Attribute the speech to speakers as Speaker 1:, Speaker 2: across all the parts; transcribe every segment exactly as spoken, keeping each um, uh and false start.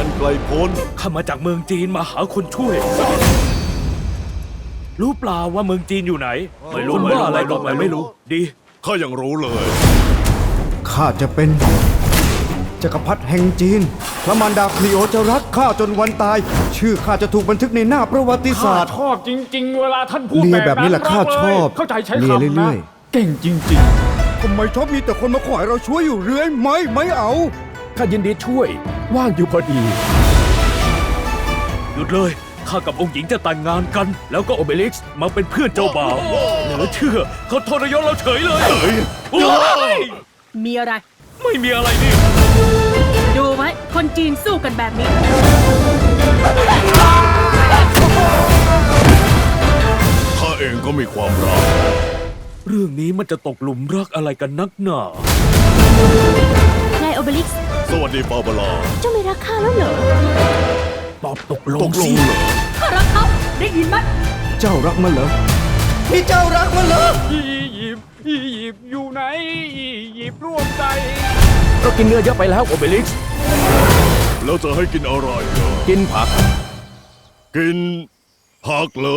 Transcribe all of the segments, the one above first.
Speaker 1: อันไกลโพ้น
Speaker 2: ข้ามาจากเมืองจีนมาหาคนช่วย รู้เปล่าว่าเมืองจีนอยู่ไหน ไม่รู้ว่าอะไรต่อไปไม่รู้ ดี
Speaker 1: ข้ายังรู้เลย
Speaker 3: ข้าจะเป็นจักรพรรดิแห่งจีนพระมารดาคลีโอจะรักข้าจนวันตาย ชื่อข้าจะถูกบันทึกในหน้าประวัติศาสตร์
Speaker 4: ชอบจริง ๆ เวลาท่านพูด
Speaker 3: เลีย
Speaker 4: แบ
Speaker 3: แบบ บนี้
Speaker 4: นั้น
Speaker 3: แหละข้าชอบ
Speaker 4: เข้าใจใช้
Speaker 3: เลีย
Speaker 4: คำ
Speaker 3: เรื่
Speaker 4: นะ
Speaker 3: อย
Speaker 4: เก่งจริง
Speaker 3: ทำไมชอบมีแต่คนมาขอให้เราช่วยอยู่เรื่อยไม่ไม่เอา
Speaker 4: ๆข้ายินดีช่วย ว่างอยู่พอดี
Speaker 2: หยุดเลย ข้ากับองค์หญิงจะแต่งงานกัน แล้วก็โอเบลิกซ์มาเป็นเพื่อนเจ้าบ่าวเหลือเชื่อเขาทรยศเราเฉยเลยโอ้ย
Speaker 5: มีอะไร
Speaker 2: ไม่มีอะไรนี่
Speaker 5: ดูไหมคนจีนสู้กันแบบนี้
Speaker 1: ข้าเองก็มีความรัก
Speaker 2: เรื่องนี้มันจะตกหลุมรักอะไรกันนักหนา
Speaker 6: นายโอเบลิกซ์
Speaker 1: สวัสดีบาบาร่า
Speaker 6: เจ้าไม่รักข้าแล้วเหรอ
Speaker 2: ตอบตกล
Speaker 1: ต
Speaker 2: ง
Speaker 1: กล
Speaker 2: สิ
Speaker 1: งเหรอ
Speaker 5: ข้ารักเขาได้ยินไหม
Speaker 3: เจ้ารักมันเหรอพี่เจ้ารักมันเหรอ
Speaker 4: อียิปต์อียิปต์อยู่ไหนอียิปต์ร่วมใจเรากินเนื้อเยอะไปแล้วโอเบลิกซ์
Speaker 1: แล้วจะให้กินอะไรเหรอ
Speaker 4: กินผัก
Speaker 1: กินผักเหรอ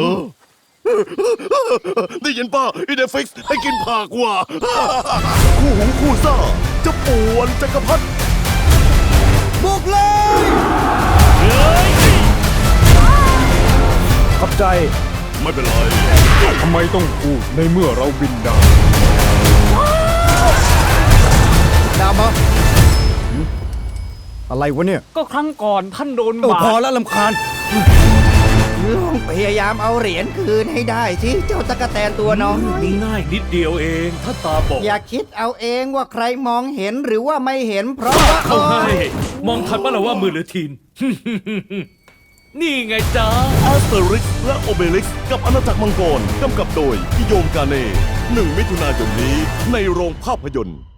Speaker 1: ได้ยินป่ะอีเดฟิกซ์ให้กินผักว่ะ คู่หูคู่ซ่าจะป่วนจักรพรรดิ
Speaker 3: บุกเลย
Speaker 4: ขอบใจ
Speaker 1: ไม่เป็นไร
Speaker 4: ทำไมต้องพูดในเมื่อเราบินได้
Speaker 3: ดามาอะไรวะเนี่ย
Speaker 4: ก็ครั้งก่อนท่านโดน
Speaker 3: โอ้
Speaker 4: บา
Speaker 3: พอ
Speaker 4: ด
Speaker 3: แล้วลำคาญ
Speaker 7: ลองพยายามเอาเหรียญคืนให้ได้สิเจ้าตะกะแตนตัวน้อย
Speaker 2: ง่ายนิดเดียวเอง ถ้าตาบอก
Speaker 7: อย่าคิดเอาเองว่าใครมองเห็นหรือว่าไม่เห็นเพราะว่า
Speaker 2: เขาให้ มองทันปะล่ะว่ามือหรือทีน นี่ไงจ๊ะ
Speaker 1: แอสเตอริกซ์และโอเบลิกซ์กับอาณาจักรมังกรกำกับโดยพิโยมกาเน่หนึ่งมิถุนายนนี้ในโรงภาพยนตร์